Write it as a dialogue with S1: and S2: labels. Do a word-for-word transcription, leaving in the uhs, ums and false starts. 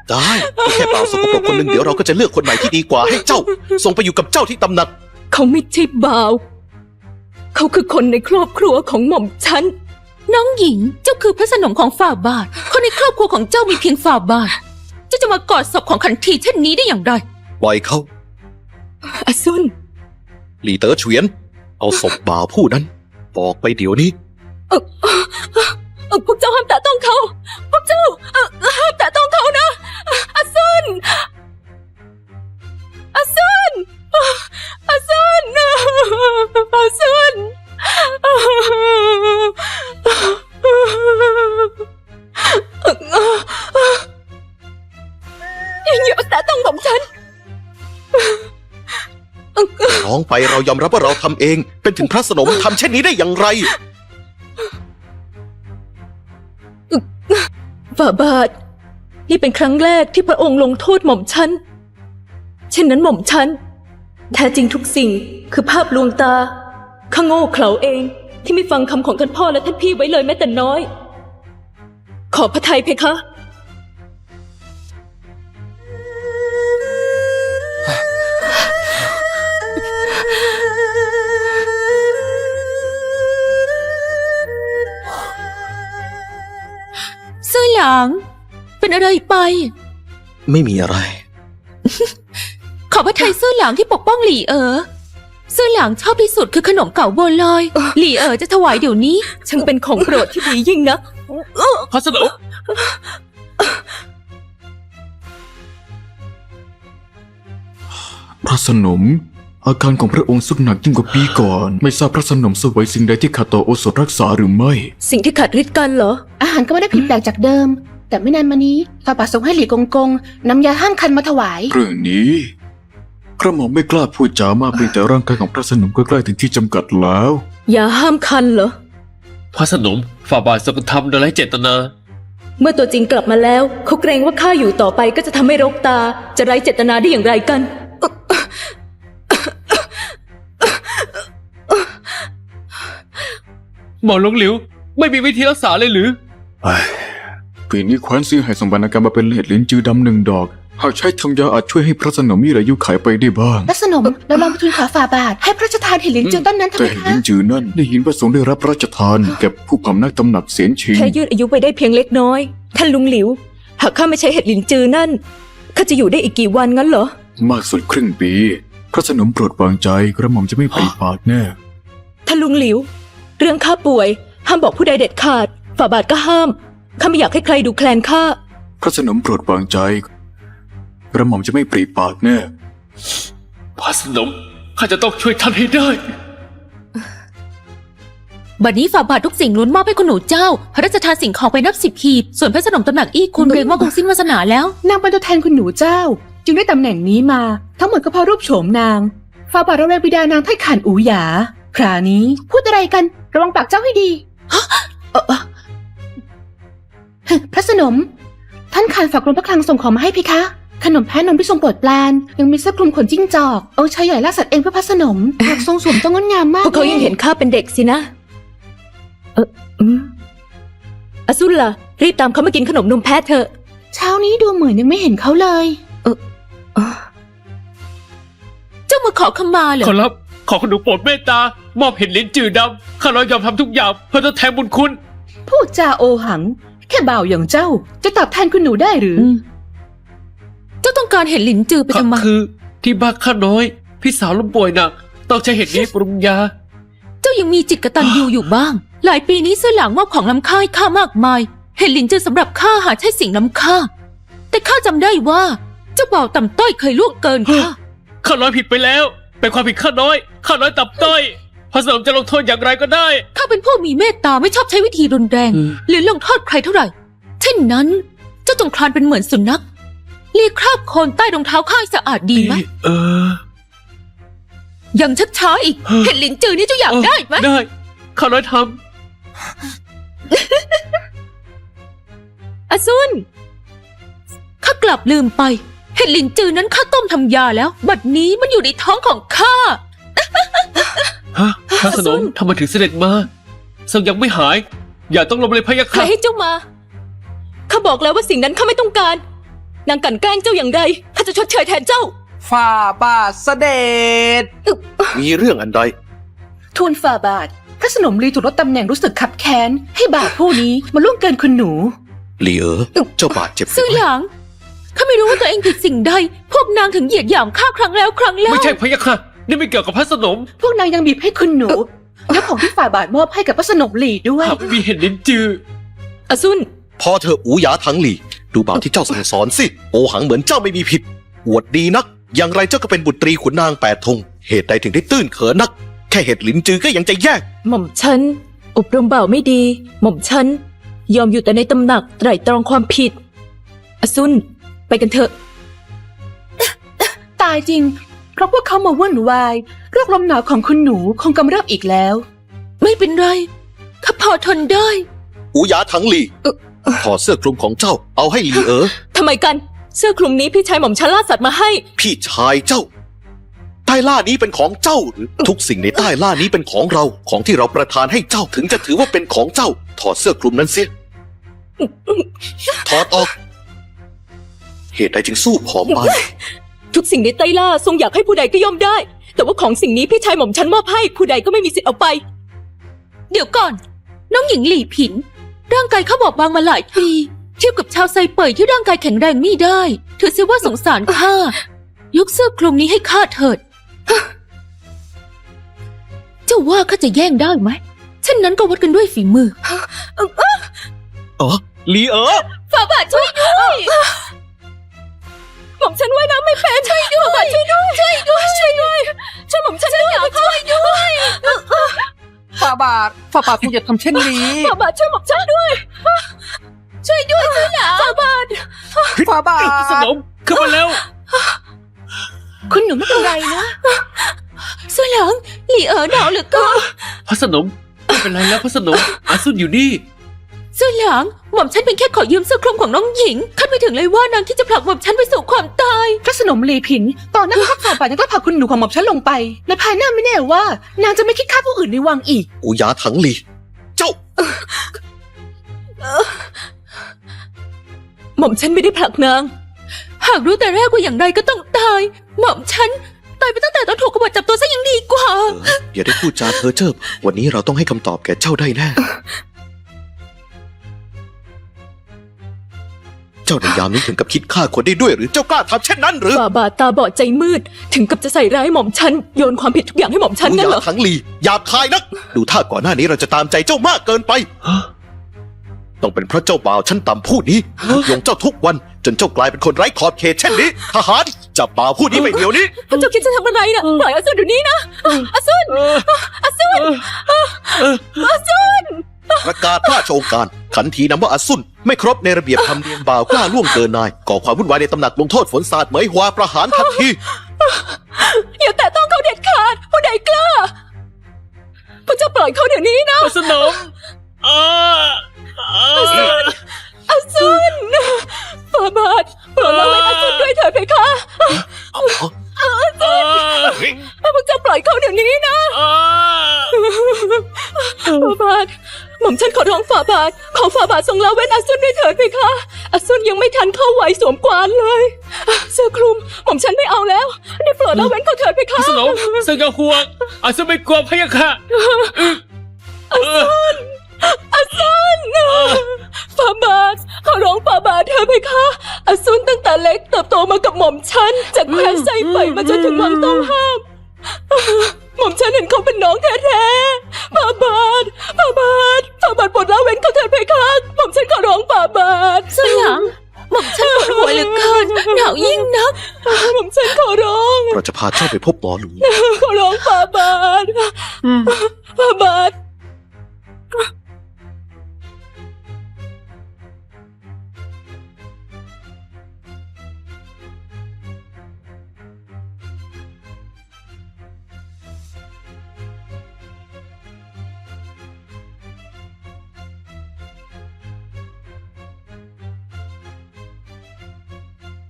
S1: ได้แค่เปล่าสกปรกคนหนึ่งเดี๋ยวเราก็จะเลือกคนใหม่ที่ดีกว่าให้เจ้าส่งไปอยู่กับเจ้าที่ตำหนัก
S2: เขาไม่ใช่บ่าวเขาคือคนในครอบครัวของหม่อมฉันน้องหญิงเจ้าคือพระสนมของฝ่าบาทคนในครอบครัวของเจ้ามีเพียงฝ่าบาทเจ้าจะมากอดศพของขันทีเช่นนี้ได้อย่างไร
S1: ปล่อยเขา
S2: อาซุน
S1: หลี่เต๋อเฉวียนเอาศพบ่าวผู้นั้นออกไปเดี๋ยวนี้
S2: เออเออพวกเจ้าห้ามแตะต้องเขาพวกเจ้าเออห้ามแตะต้องเขานะอาซุนอาซุนอาซุนอาซุนอย่าแตะต้องผมฉัน
S1: ร้องไปเรายอมรับว่าเราทำเองเป็นถึงพระสนมทำเช่นนี้ได้อย่างไร
S2: ฝ่าบาทนี่เป็นครั้งแรกที่พระองค์ลงโทษหม่อมฉันเช่นนั้นหม่อมฉันแท้จริงทุกสิ่งคือภาพลวงตาข้าโง่เขลาเองที่ไม่ฟังคำของท่านพ่อและท่านพี่ไว้เลยแม้แต่น้อยขอพระทัยเพคะเสื้อหยางเป็นอะไรไป
S1: ไม่มีอะไร
S2: ขอพระทัยเสื้อหยางที่ปกป้องหลี่เอ๋อเสื้อหยางชอบที่สุดคือขนมเก่าบัวลอยหลี่เอ๋อจะถวายเดี๋ยวนี้ช่างเป็นของโปรดที่ดียิ่งนะ
S3: พระสนม
S4: พระสนมอาการของพระองค์สุดหนักยิ่งกว่าปีก่อนไม่ทราบพระสนมเสวยสิ่งใดที่ขาดต่อโอสถรักษาหรือไม่
S2: สิ่งที่ขาดฤทธิ์กันเหรอ
S5: อาหารก็ไม่ได้ผิดแปลกจากเดิมแต่ไม่นานมานี้ฝ่าบาทส่งให้หลี่กงกงนำยาห้ามคันมาถวาย
S4: เรื่องนี้กระหม่อมไม่กล้าพูดจามากเพียงแต่ร่างกายของพระสนมก็ใกล้ถึงที่จำกัดแล้ว
S2: ยาห้ามคันเหรอ
S3: พระสนมฝ่าบาททรงทำโดยไร้เจตนา
S2: เมื่อตัวจริงกลับมาแล้วเขาเกรงว่าข้าอยู่ต่อไปก็จะทำให้รกตาจะไร้เจตนาได้อย่างไรกัน
S3: หมอหลงหลิวไม่มีวิธีรักษาเลยหรือ
S4: ปีนี้แคว้นซื้อให้สมบัติการมาเป็นเลดลิ้นจือดำหนึ่งดอกหากใช้ทำยาอาจช่วยให้พระสนมมีอายุขัยไปได้บ้าง
S5: พระสนมเราลองไปทูลขอฝ่าบาทให้พระราชทานเห็ดลิ้นจือต้นนั้นทำไม
S4: คะแต่เห็ดลิ้นจือนั่นได้ยินพระสงฆ์ได้รับพระราชทานแก่ผู้พำนักตำหนักเสียนชิง
S2: แค่ยืดอายุไปได้เพียงเล็กน้อยท่านลุงหลิวหากข้าไม่ใช้เห็ดลิ้นจือนั่นข้าจะอยู่ได้อีกกี่วันงั้นเหรอ
S4: มากสุดครึ่งปีพระสนมโปรดวางใจกระหม่อมจะไม่ปริปากแน่
S2: ท่านลุงหลิวเรื่องข้าป่วยห้ามบอกผู้ใดเด็ดขาดฝ่าบาทก็ห้ามข้าไม่อยากให้ใครดูแคลนข้า
S4: พระสนมโปรดวางใจกระหม่อมจะไม่ปริปากแน่
S3: พระสนมข้าจะต้องช่วยท่านให้ได้
S2: บัดนี้ฝ่าบาททุกสิ่งล้วนมอบให้คุณหนูเจ้าพระราชทานสิ่งของไปนับสิบหีบส่วนพระสนมตำหนักอี้คุณเกรงว่าคงสิ้นวาสนาแล้ว
S5: นางเป็นตัวแทนคุณหนูเจ้าจึงได้ตำแหน่งนี้มาทั้งหมดก็เพราะรูปโฉมนางฝ่าบาทระแวงบิดานางไถ่ขานอูหยาคราวนี้พูดอะไรกันระวังปากเจ้าให้ดีพระสนมท่านขานฝากกรมพระคลังส่งของมาให้เพคะขนมแพะนมที่ทรงโปรดปรานยังมีเสื้อคลุมขนจิ้งจอกเอาชายใหญ่ล่าสัตว์เองเพื่อพระสนมหากทรงสวมต้องงดงามมาก
S2: พวกเขายังเห็นข้าเป็นเด็กสินะเอออืมอสุนล่ะรีบตามเขามากินขนมนมแพะเถอะ
S5: เช้านี้ดูเหมือนยังไม่เห็นเขาเลย
S2: เออเจ้ามาขอขมาเหรอ
S3: ขอรับขอขนมโปรดเมตตามอบเห็ดลิ้นจือดำข้าน้อยยอมทำทุกอย่างเพื่อทดแทนบุญคุณ
S5: พูดจาโอหังแค่บ่าวอย่างเจ้าจะตอบแทนคุณหนูได้หรือ
S2: เจ้าต้องการเห็ดลิ้นจือไปทำไม
S3: คือที่บ้านข้าน้อยพี่สาวล้มป่วยหนักต้องใช้เห็ดนี้ปรุงยา
S2: เจ้ายังมีจิตกตัญญูอยู่บ้างหลายปีนี้เสื้อหลังมอบของล้ำค่าให้ข้ามากมายเห็ดลิ้นจือสำหรับข้าหาใช่สิ่งล้ำค่าแต่ข้าจำได้ว่าเจ้าบ่าวต่ำต้อยเคยล่วงเกินข้า
S3: ข้าน้อยผิดไปแล้วเป็นความผิดข้าน้อยข้าน้อยต่ำต้อยพระสนมจะลงโทษอย่างไรก็ได้
S2: ข้าเป็นผู้มีเมตตาไม่ชอบใช้วิธีรุนแรงหรือลงโทษใครเท่าไหร่เช่นนั้นเจ้าจงคลานเป็นเหมือนสุนัขเลียคราบโคลนใต้รองเท้าข้าสะอาดดีไหม
S3: เออ
S2: ยังชักช้าอีกเห็ดลิ้นจือนี่เจ้าอยากได้ไหม
S3: ได้ข้าน้อยท
S2: ำอซุนข้ากลับลืมไปเห็ดลิ้นจือนั้นข้าต้มทำยาแล้วบัดนี้มันอยู่ในท้องของข้า
S3: ฮะพระสนมทำไมถึงเสด็จมาทรงยังไม่หายอย่าต้องลมเลยพะยะค่ะ
S2: ใครให้เจ้ามาข้าบอกแล้วว่าสิ่งนั้นข้าไม่ต้องการนางกลั่นแกล้งเจ้าอย่างไรข้าจะชดเชยแทนเจ้า
S6: ฝ่าบาทเสด็จ
S1: มีเรื่องอันใด
S5: ทูลฝ่าบาท พระสนมลีถูกลดตำแหน่งรู้สึกขับแค้น ให้บ่าวผู้นี้มาล่วงเกินคุณหนู
S1: หลีเอ๋อเจ้าบาดเจ็บหรื
S2: ซื่อ
S1: ไม่
S2: หยางข้าไม่รู้ว่าตัวเองผิดสิ่งใด พวกนางถึงเหยียดหยามข้าครั้งแล้วครั้งเล่า
S3: ไม่ใช่พะยะค่ะ นี่ไม่เกี่ยวกับพระสนม
S5: พวกนางยังบีบให้คุณหนูยกของที่ฝ่าบาทมอบให้กับพระสนมลีด้วย
S3: หากไม่มีเห็นลิ้นจือ
S2: อซุน
S1: พอเธออูหยาถังหลี่ ดูบ่าวที่เจ้าสั่งสอนสิ โอหังเหมือนเจ้าไม่มีผิด อวดดีนัก อย่างไรเจ้าก็เป็นบุตรีขุนนางแปดธง เหตุใดถึงได้ตื้นเขินนัก แค่เหตุหลินจือก็ยังจะแยก
S2: หม่อมฉันอบรมบ่าวไม่ดี หม่อมฉันยอมอยู่แต่ในตำหนักไตร่ตรองความผิด อซุนไปกันเถอะ
S5: ตายจริง เพราะพวกเขามาวุ่นวายโรคลมหนาวของคุณหนูคงกำเริบอีกแล้ว
S2: ไม่เป็นไรข้าพอทนได้
S1: อูหยาถังหลี่ถอดเสื้อคลุมของเจ้าเอาให้หลีเอ๋อ
S2: ทำไมกัน เสื้อคลุมนี้พี่ชายหม่อมฉันล่าสัตว์มาให้
S1: พี่ชายเจ้า ใต้ล่านี้เป็นของเจ้าหรือทุกสิ่งในใต้ล่านี้เป็นของเรา ของที่เราประทานให้เจ้าถึงจะถือว่าเป็นของเจ้า ถอดเสื้อคลุมนั้นเสีย ถอดออก เหตุใดจึงสู้ผอมไป
S2: ทุกสิ่งในใต้ล่าทรงอยากให้ผู้ใดก็ย่อมได้ แต่ว่าของสิ่งนี้พี่ชายหม่อมฉันมอบให้ผู้ใดก็ไม่มีสิทธิ์เอาไป เดี๋ยวก่อน น้องหญิงหลี่ผิน ร่างกายเขาบอบบางมาหลายปีเทียบกับชาวไซเป่ยที่ร่างกายแข็งแรงไม่ได้ถือเสียว่าสงสารข้ายกเสื้อคลุมนี้ให้ข้าเถิด เจ้าว่าข้าจะแย่งได้ไหมเช่นนั้นก็วัดกันด้วยฝีมือ
S1: อ๋อหลีเอ๋อ
S2: ฝ่าบาทช่วยด้วยหม่อมฉันว่ายน้ำไม่เป็นช่วยด้วยฝ่าบาทช่วยด้วยช่วยด้วยช่วยด้วยช่วยหม่อมฉันด้วยช่วยด้วย
S6: ฝ่าบาท ฝ่าบาทคงอย่าทำเช่นนี้
S2: ฝ่าบาทช่วยหม่อมฉันด้วย ช่วยด้วยช่วยหลาฝ่าบาท
S6: ฝ่าบาท
S3: พระสนมขึ้นมาแล้ว
S5: คุณหนูไม่เป็นไรนะ
S2: สวยหลังหลี่เอ๋อหนาวเหลือเกิน
S3: พระสนมไม่เป็นไรแล้วพระสนม อาซุนอยู่นี่
S2: สวยหลังหม่อมฉันเป็นแค่ขอยืมเสื้อคลุมของน้องหญิงคาดไม่ถึงเลยว่านางที่จะผลักหม่อมฉันไปสู่ความตาย
S5: พระสนมลีผิน ตอนนั้นพระฝ่าบาทยังกล้าผลักคุณหนูของหม่อมฉันลงไป และภายหน้าไม่แน่ว่า นางจะไม่คิดฆ่าผู้อื่นในวังอีก
S1: อูหยาถังหลี่ เจ้า
S2: หม่อมฉันไม่ได้ผลักนาง หากรู้แต่แรกว่าอย่างไรก็ต้องตาย หม่อมฉันตายไปตั้งแต่ตอนถูกกบฏจับตัวซะยังดีกว่า
S1: เอออย่าได้พูดจาเพ้อเจ้อวันนี้เราต้องให้คำตอบแก่เจ้าได้แน่ เจ้าในยามนี้ถึงกับคิดฆ่าคนได้ด้วยหรือเจ้ากล้าทำเช่นนั้นหรือ
S2: ฝ่าบาทตาบอดใจมืด ถึงกับจะใส่ร้ายหม่อมฉันโยนความผิดทุกอย่างให้หม่อมฉัน
S1: อูห
S2: นั่น
S1: ยา
S2: เหรอ
S1: ถังหลี่หยาบคายนัก ดูท่าก่อนหน้านี้เราจะตามใจเจ้ามากเกินไป ต้องเป็นเพราะเจ้าบ่าวชั้นต่ำผู้นี้ยงเจ้าทุกวัน จนเจ้ากลายเป็นคนไร้ขอบเขตเช่นนี้ ทหารจับบ่าวผู้นี้ไปเดี๋ยวนี้
S2: พระเจ้าคิดจะทำอะไรนะปล่อยอาซุนเดี๋ยวนี้นะอาซุนอาซุนอาซุน
S1: ประกาศราชโองการขันทีนำว่าอาซุนไม่ครบในระเบียบธรรมเนียมบ่าวกล้าล่วงเกินนายก่อความวุ่นวายในตำหนักลงโทษฝนสาดเหมยหัวประหารทันที
S2: อย่าแตะต้องเขาเด็ดขาดผู้ใดกล้าพระเจ้าปล่อยเขาเดี๋ยวนี้นะ
S3: พระสนมอ่าอ่า
S2: อาซุนฝ่าบาทโปรดละเว้นอาซุนด้วยเถิดเพคะ
S3: อ่า
S2: พระเจ้าปล่อยเขาเดี๋ยวนี้นะ
S3: อ่า
S2: ฝ่าบาทหม่อมฉันขอร้องฝ่าบาทขอฝ่าบาททรงละเว้นอาซุนด้วยเถิดเพคะอาซุนยังไม่ทันเข้าไหวสวมกวานเลยเสื้อคลุมหม่อมฉันไม่เอาแล้วได้โปรดละเว้นเขาเถิดเพ
S3: พ
S2: คะ
S3: ระสนมเสกห่วงอาซุนไม่กลัวพะยะค่ะ
S2: อาซุนฝ่าบาทขอร้องฝ่าบาทเถิดเพคะอาซุนตั้งแต่เล็กเติบโตมากับหม่อมฉันจากแคว้นไซเป่ยมาจนถึงวังต้องห้ามหม่อมฉันเห็นเขาเป็นน้องแท้ๆฝ่าบาทฝ่าบาทฝ่าบาทโปรดละเว้นเขาเถิดเพคะหม่อมฉันขอร้องฝ่าบาทสยามหม่อมฉันปวดหัวเหลือเกินหนาวยิ่งนักหม่อมฉันขอร้อง
S1: เราจะพาเจ้าไปพบหมอหลู
S2: ขอร้องฝ่าบาทฝ่าบาท